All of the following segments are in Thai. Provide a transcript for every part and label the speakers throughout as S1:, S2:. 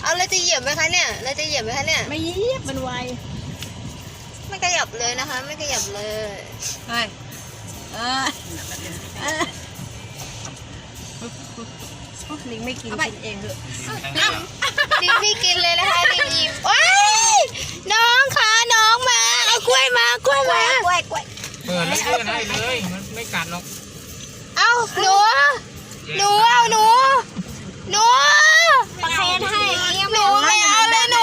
S1: เอาเราจะเหยียบไหมคะเนี่ยเราจะเหยียบไหมคะเนี่ย
S2: ไม่ยีบมันไว
S1: ไม่ขยับเลยนะคะ ไม่ขยับเลย
S2: เฮ้ยลิงไม่กินกินเองเถอะ
S1: ลิงไม่กินเลยนะคะลิงอิ่มว้ายน้องคะน้องมาเอากล้วยมากล้วยมากล้วย
S3: เปิดแล้วเพื่อนให้เลยมันไม่กัดหรอก
S1: เอาหนูเอาหนูประเคนให้หนูไม่เอาเลยหนู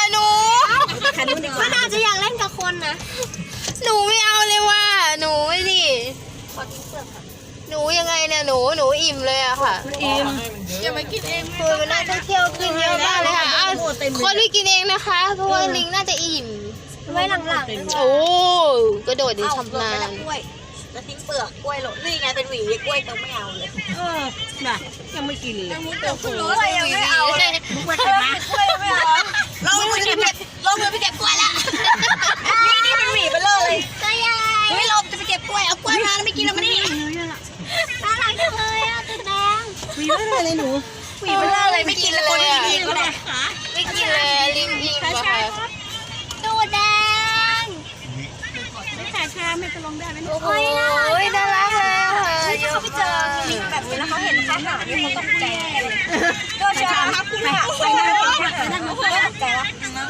S1: มันอาจจะอยากเล่นกับคนนะหนูไม่เอาเลยว่ะหนูสิหนูยังไงเนี่ยหนูอิ่มเลยอะค่ะ
S2: อิ่ม
S1: อย่ามากินเองคือมันน่าจะเที่ยวกินเยอะมากเลยค่ะเอาคนไม่กินเองนะคะเพราะว่าลิงน่าจะอิ่มไว้หลังๆโอ้กระโดดดีชำนาญ
S4: แล้วทิ้งเปลือกกล้วยหลดนี่ไงเป็นหวีกล้วยต้องไม่เอาเลย
S2: น่ะยังไม่กินเลย
S4: รู้อะไรยังไม่เอาเลยกล้วยไม่เอาเรามือไปเก็บกล้วยละนี่เป็นหวีไปเลยเฮ้ยเราจะไปเก็บกล้วยเอากล้วยมาแล้วไม่กินแล้วมันนี่น่ารักจังเลยอ่ะตัวแดง
S2: หวีไม่ได้เลยหนู
S4: หวีไปเลยไม่กินแล้วคนที่กินก็ได้
S1: ไม่กินเลยลิงอิ่มอะค่ะ
S4: ตัวแดง
S2: ไม่ขายชาไม่จะลงได้ไหม
S1: โอ้ยน่ารักเลยค่ะ
S4: ที่เขาไปเจอลิงแบบนี้แล้วเขาเห็นอาหารที่เขาตกใจเลยโดนชาครับคุณค่ะไปนั่งตกใจแล้ว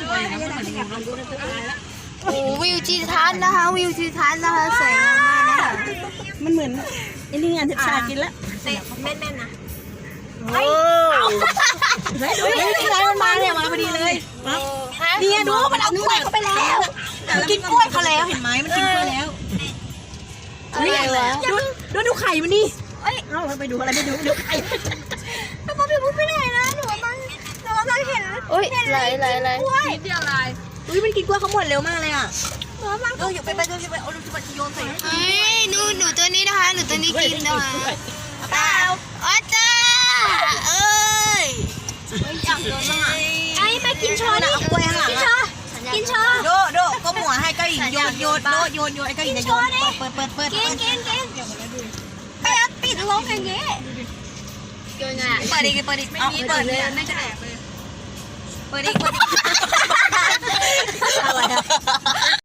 S1: โอ้วิวทิวทัศน์นะคะวิวทิวทัศน์นะคะสวยงามมากนะคะ
S2: มันเหมือนไอ้นี่งานชากินแล้ว
S4: เตะแม่นๆนะ
S1: โอ้
S2: ดูนี่ไงมันมาเนี่ยมาพอดีเลย
S4: เนี่ยดูมันเอากล้วยเข้าไปแล้วมันกินกล้วยเขาแล้วเห็นไหมมันกินกล้วยแล้ว
S1: อะไรวะ
S2: ดูไข่มันนี่เอ้ยเอาไปดูอะไรไปดูไข่
S4: แล้วพ่อพี่พูดไม่ได้นะหนูกำลังเห็น
S1: โอ้ยไหล
S4: กล้วยนิดเดียวลายอุ้ยมันกินกล้วยเขาหมดเร็วมากเลยอ่ะหนูกำลังอยู่ไปเอาลูกจะโยนใส่
S1: เฮ้ยหนูตัวนี้นะคะหนูตัวนี้กินนะคะ
S4: เปล่า
S1: อ๋อจ้าเอ้ย
S4: อยากโดนบ้างอ่ะไอ้มากินช้อนเอากล้วยข้างหลังกินช้อนโดก็หมัวให้เก้าหญิงโยนไอ้เก้าหญิงจะโยนเปิดกินไปเอาปิดลงอย่างเงี้ย
S1: โยนไง
S4: เปิดอีกเอาเปิดเลยไม่จะแอบเลยเปิดอีกอะไรอะ